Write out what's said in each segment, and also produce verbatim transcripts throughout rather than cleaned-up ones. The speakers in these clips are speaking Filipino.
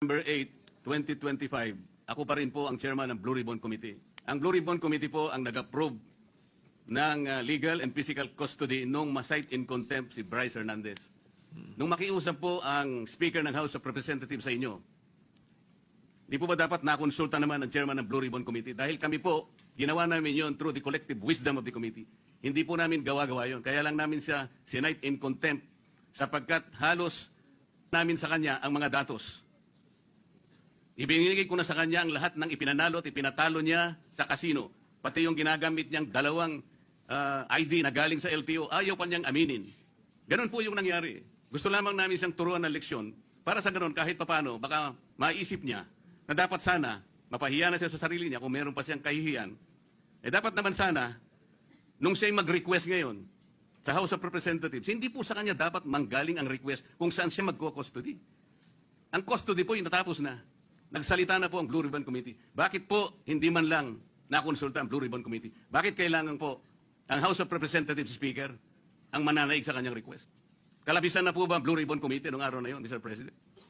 November eighth, twenty twenty-five, ako pa rin po ang chairman ng Blue Ribbon Committee. Ang Blue Ribbon Committee po ang nag-approve ng uh, legal and physical custody nung ma-cite in contempt si Bryce Hernandez. Nung makiusap po ang Speaker ng House of Representatives sa inyo, di po ba dapat nakonsulta naman ang chairman ng Blue Ribbon Committee? Dahil kami po, ginawa namin yon through the collective wisdom of the committee. Hindi po namin gawa-gawa yon. Kaya lang namin siya sinite in contempt sapagkat halos namin sa kanya ang mga datos. Ibinigay ko na sa kanya ang lahat ng ipinanalo at ipinatalo niya sa kasino. Pati yung ginagamit niyang dalawang uh, I D na galing sa L T O, ayaw pa niyang aminin. Ganon po yung nangyari. Gusto lamang namin siyang turuan ng leksyon para sa ganon kahit papano, baka maisip niya na dapat sana, mapahiya na siya sa sarili niya kung meron pa siyang kahihiyan. Eh dapat naman sana, nung siya'y mag-request ngayon sa House of Representatives, hindi po sa kanya dapat manggaling ang request kung saan siya magko-custody. Ang custody po yung natapos na. Nagsalita na po ang Blue Ribbon Committee. Bakit po hindi man lang nakonsulta ang Blue Ribbon Committee? Bakit kailangan po ang House of Representatives Speaker ang mananaig sa kanyang request? Kalabisan na po ba ang Blue Ribbon Committee noong araw na yun, Mister President?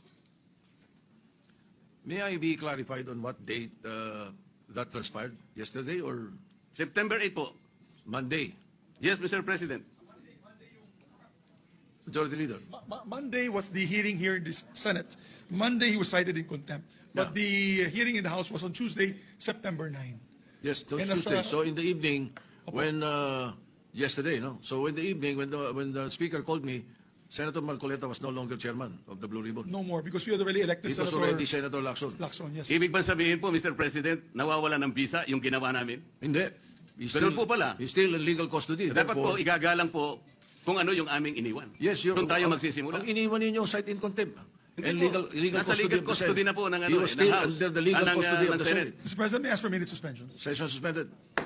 May I be clarified on what date uh, that transpired? Yesterday or September eighth po. Monday? Yes, Mister President. Majority Leader. Mo- Mo- Monday was the hearing here in the Senate. Monday he was cited in contempt. But the hearing in the House was on Tuesday, September ninth. Yes, those And as, Tuesday. uh, So in the evening, when uh, yesterday, no. So in the evening, when the when the Speaker called me, Senator Marcoleta was no longer chairman of the Blue Ribbon. No more because we had already elected It was Senator already Senator Lacson. Lacson. Yes. Ibig ba sabihin po, Mister President, nawawala ng visa yung ginawa namin? Hindi. He's Ganun still, po pala. He's still in legal custody. Dapat po, Therefore, igagalang po kung ano yung aming iniwan. yes, you're, Doon tayo ang- magsisimula. Ang iniwan ninyo, cite in contempt. Hindi And po. legal, legal Nasa custody legal of the custody Senate. na po ng ano, He was eh, ng still House. under the legal Ah, ng, custody ah, of ng the Senate. Senate. Mister President, may I ask for a minute suspension? Session suspended.